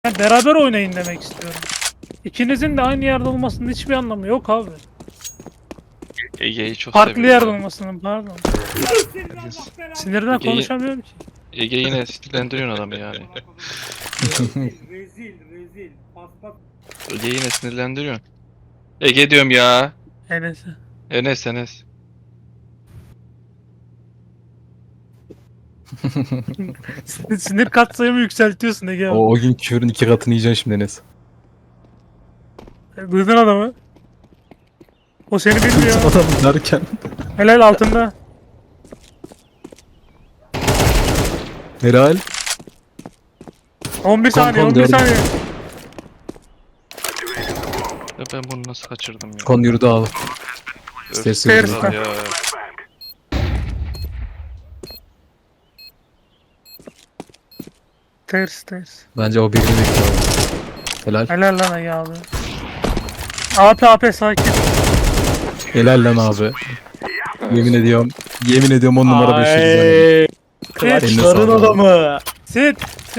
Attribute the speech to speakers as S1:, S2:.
S1: Yani beraber oynayın demek istiyorum. İkinizin de aynı yerde olmasının hiçbir anlamı yok abi.
S2: Ege'yi çok
S1: Farklı
S2: seviyor
S1: yerde
S2: ya.
S1: olmasının pardon.
S2: Herkes-
S1: Sinirden
S2: Ege'yi
S1: konuşamıyorum ki.
S2: Ege yine sinirlendiriyorsun adamı yani.
S3: Rezil. Paspas.
S2: Ege yine sinirlendiriyorsun. Ege diyorum ya.
S1: Neyse.
S2: Enes.
S1: Sinir katsayımı yükseltiyorsun Ege abi.
S4: O gün küfürün 2 katını yiyeceksin şimdi Enes.
S1: Duydun adamı. O seni bilmiyor.
S4: Adam derken.
S1: Helal altında.
S4: Helal.
S1: 11 saniye, 11
S4: gördüm.
S1: saniye.
S2: Ya ben bunu nasıl kaçırdım ya?
S4: Kon yürüdü abi.
S2: Öf,
S4: İsterse
S1: Stairs.
S4: yürüdü.
S2: ya.
S1: Ters.
S4: Bence o birini bekliyor abi. Helal.
S1: Helal lan Ege abi. AP sakin.
S4: Helal lan abi. Yemin ediyorum. Yemin ediyorum 10 numara 5 yıldız.
S1: Sit.
S4: Eline sağlık.
S1: Sit.